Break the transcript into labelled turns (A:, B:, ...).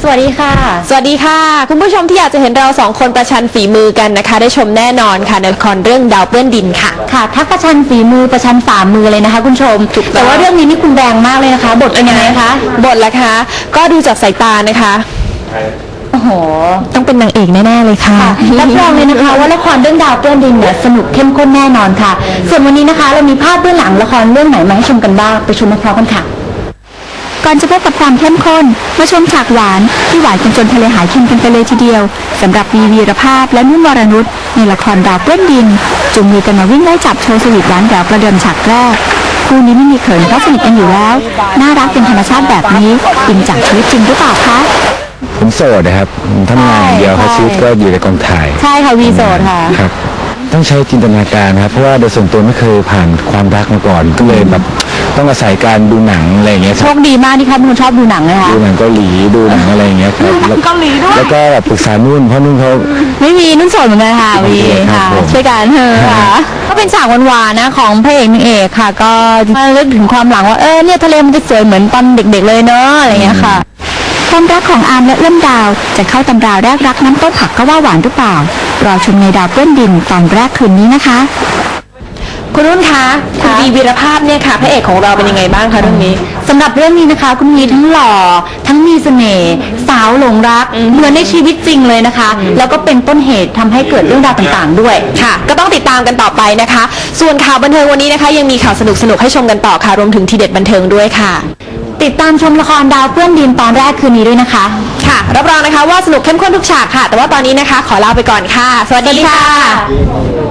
A: วัสดีค่ะ
B: สวัสดีค่ะคุณผู้ชมที่อยากจะเห็นเราสองคนประชันฝีมือกันนะคะได้ชมแน่นอนค่ะในละครเรื่องดาวเปื้อนดินค่ะ
A: ค่ะทักประชันฝีมือประชันฝ่ามือเลยนะคะคุณผู้ชมแต่ว่าเรื่องนี้นี่คุณแรงมากเลยนะคะบทเป็นยังไงคะ
B: บทละคะก็ดูจากสายตานะคะ
A: โอ้โห
B: ต้องเป็นนางเอกแน่ๆเลยค่ะ
A: รับรองเลยนะคะว่าละครเรื่องดาวเปื้อนดินเนี่ยสนุกเข้มข้นแน่นอนค่ะส่วนวันนี้นะคะเรามีภาพเบื้องหลังละครเรื่องไหนมาให้ชมกันบ้างไปชมพร้อมกันค่ะ
C: ก่อนจะพบกับความเข้มข้นมาชมฉากหวานที่หวานจนทะเลหายเค็มกันไปเลยทีเดียวสำหรับวีรภาพและนุ่นวรนุชในละครดาวเปื้อนดินจุงมือกันมาวิ่งไล่จับโชว์สวีทหวานแหววประเดิมฉากแรกคู่นี้ไม่มีเขินเพราะสนิทกันอยู่แล้วน่ารักเป็นธรรมชาติแบบนี้อินจากชีวิตจริงหรือเปล่าคะ
D: ผมโสดนะครับทำงานอย่างเดียวครับชีวิตก็อยู่ในกองถ่าย
A: ใช่ค่ะวีโสดค่ะ
D: ครับต้องใช้จินตนาการครับเพราะว่าโดยส่วนตัวไม่เคยผ่านความรักมาก่อนก็เลยแบบต้องอาศัยการดูหนังอะไรอย่างเงี้ย
A: โชคดีมากที่เขาเป็นคนชอบดูหนังนะคะ
D: ดูหนังเกาหลีดูหนังอะไรอย่างเงี้ยครับ
A: เกาหลีด้วย
D: แล้วก็แบบปรึกษานุ่นเพราะนุ่นเขา
A: ไม่มีนุ่นโสดเหมือนกันค่ะวีค่ะช่วยกันเถอะค่ะก็เป็นฉากหวานๆนะของพระเอกนางเอกค่ะก็มาเรื่องถึงความหลังว่าเนี่ยทะเลมันจะสวยเหมือนตอนเด็กๆเลยเนอะอะไรอย่างเงี้ยค่ะ
C: ความรักของอาร์มและเอื้อมดาวจะเข้าตำราแรกรักน้ำต้นผักก็ว่าหวานหรือเปล่ารอชมในดาวเปื้อนดินตอนแรกคืนนี้นะคะ
B: คุณนุ่นคะคุณวีวีรภาพเนี่ยค่ะพระเอกของเราเป็นยังไงบ้างคะเรื่องนี้
A: สำหรับเรื่องนี้นะคะคุณวีทั้งหล่อทั้งมีเสน่ห์สาวหลงรักเหมือนในชีวิตจริงเลยนะคะแล้วก็เป็นต้นเหตุทำให้เกิดเรื่องราวต่างๆด้วย
B: ค่ะก็ต้องติดตามกันต่อไปนะคะส่วนข่าวบันเทิงวันนี้นะคะยังมีข่าวสนุกๆให้ชมกันต่อค่ะรวมถึงทีเด็ดบันเทิงด้วยค่ะ
A: ติดตามชมละครดาวเปื้อนดินตอนแรกคืนนี้ด้วยนะคะ
B: ค่ะรับรองนะคะว่าสนุกเข้มข้นทุกฉากค่ะแต่ว่าตอนนี้นะคะขอลาไปก่อนค่ะสวัสดีค่ะ